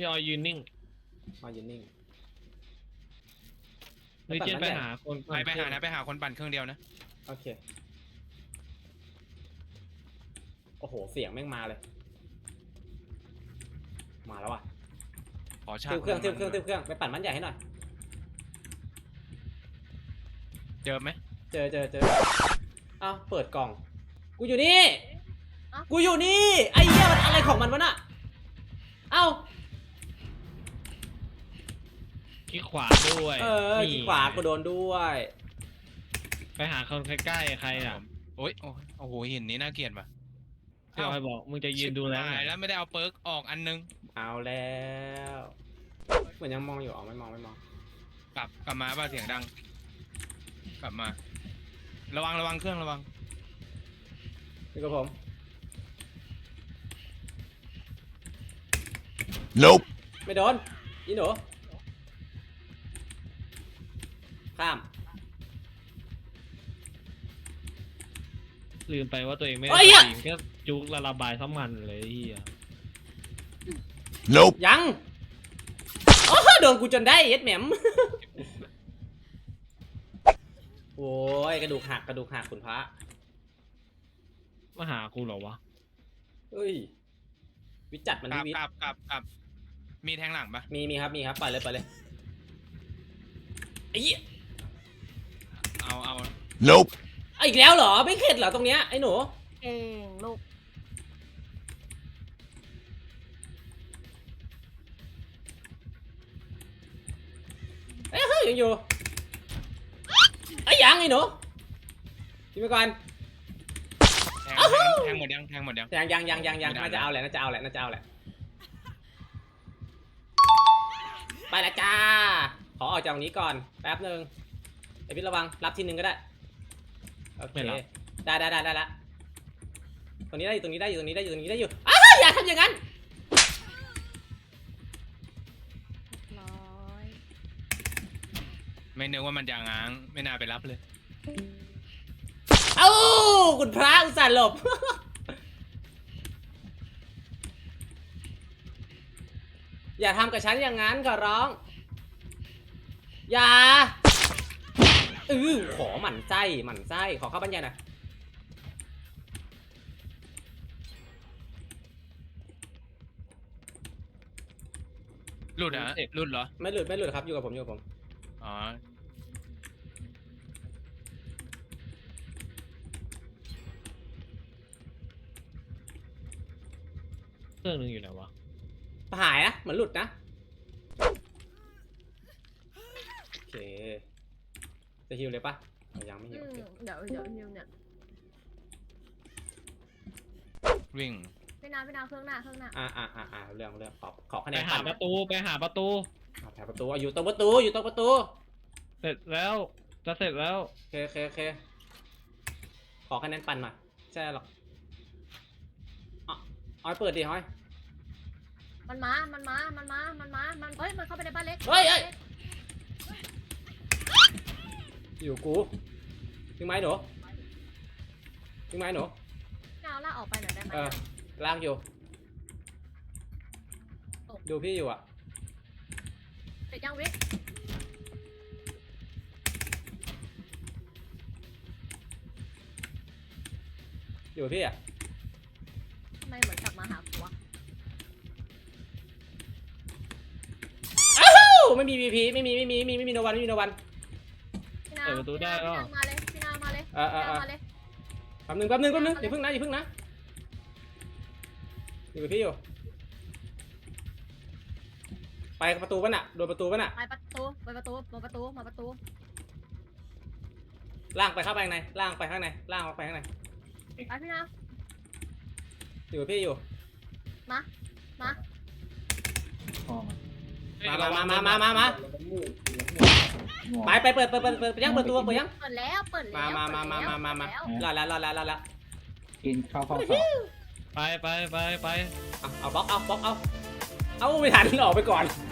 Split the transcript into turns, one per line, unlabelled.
ออยยืนนิ่ง
มายืนนิ่ง
ลิเจนไปหาคน
ไปหานะไปหาคนปั่นเครื่องเดียวนะ
โอเคโอ้โหเสียงแม่งมาเลยมาแล้วอ่ะ
ขอชา
ติวเครื่องไปปั่นมันใหญ่ให้หน่อย
เจอไหม
เจออ้าวเปิดกล่องกูอยู่นี่กูอยู่นี่ไอ้เหี้ยมันอะไรของมันวะน่ะเอ้า
ขี้ขวาด้วย
ที่ขวากูโดนด้วย
ไปหาคนใกล้ๆใครอ่ะ
โอ้ยโอ้โหหินนี้น่าเกลียดว่ะ
พี่ออยบอกมึงจะยืนดูแล
ตายแล้วไม่ได้เอาเปิร์กออกอันนึง
เอาแล้วเหมือนยังมองอยู่อ๋อไม่มอง
กลับมาป่ะเสียงดัง กลับมา ระวังเครื่องระวัง
นี่กับผม
Nope.
ไม่โดนอีหนูข้าม
ลืมไปว่าตัวเองไม่
เฮ้
ได้
ย
จริงแค่จุกระบายซ้ำมันเลยเฮีย
Nope.
ยังโอ้โดนกูจนได้เอ็ดแหมม โอ้ยกระดูกหักคุณพระ
มาหากูเหรอวะ
เฮ้ยวิจัดมัน
กลับ
วิ
กลับมีแทงหลังปะ
มีครับปล่อยเลยไอ้เหี้ย
เอา
Nope.
อีกแล้วเหรอไม่เข็ดเหรอตรงเนี้ยไอ้หนู
เองลูก
เอ้ยยังอยู่ไอ้ยังไอ้หนูกินไปก่อน
แทงหมดยัง
ยัง
ไม่ได้
น่าจะเอาแหละไปละจ้าขอออกจากตรงนี้ก่อนแป๊บนึงไอพี่ระวังรับทีนึงก็ได้โอเคได้ละตรงนี้ได้อยู่อ้าวอย่าทำอย่างนั้น
ร้อย
ไม่นึกว่ามันจะง้างไม่น่าไปรับเลย
เอ้าคุณพระอุตส่าห์หลบ อย่าทำกับฉันอย่างนั้นขอร้อง อย่าขอหมั่นไส้ขอเข้าบรรยายหน่อย
หลุดเหรอหลุดเหรอ
ไม่หลุดครับอยู่กับผม
อ๋อ
เครื่องนึงอยู่ไหนวะ
หายนะเหมือนหลุดนะโอเคจะฮิวเลยปะยังไม่ฮิวโอเค
เดี๋ยวฮิวเนี่ย
วิ่ง
พี่นาเครื่องหน้าเ
เรื่องขอคะแน
ไป
น
หาประตู
แถวประตูอยู่ตรงประตู
เสร็จแล้วจะเสร็จแล้ว
โอเคขอคะแนนปั่นมาใช่หรอกอ้อยเปิดดิอ้อย
มันมาเฮ้ยมันเข้าไปในบ้านเล็ก
เฮ้ยอยู่กูยิงไม้หนู
เอาล่าออกไปหน่อยได้ไหม
ลากอยู่ดูพี่อยู่อ่ะ
เสร็จยังวิ
อยู่พี่อ่ะ
ทำไมเหมือนกลับมาหาผัว
ไม่มี VP ไม่มีโนวัน
พี่นา
เปิดประตูได้ก็
มาเลยพี่นามาเลย
แป๊บนึงอย่าเพิ่งนะอยู่กับพี่อยู่ไปประตูป่ะน่ะโดนประตูป่ะน่ะ
ไปประตูมาประตู
ล่างไปเข้าไปข้างในล่างออกไปข้างใน
ไปพี่นา
อยู่กับพี่อยู่
มา
มาไปเปิดยัง
เปิดแล้ว
รอแล้ว
กินข้าวต่อ
ไป
เอาบล็อกเอาไม่ทันออกไปก่อน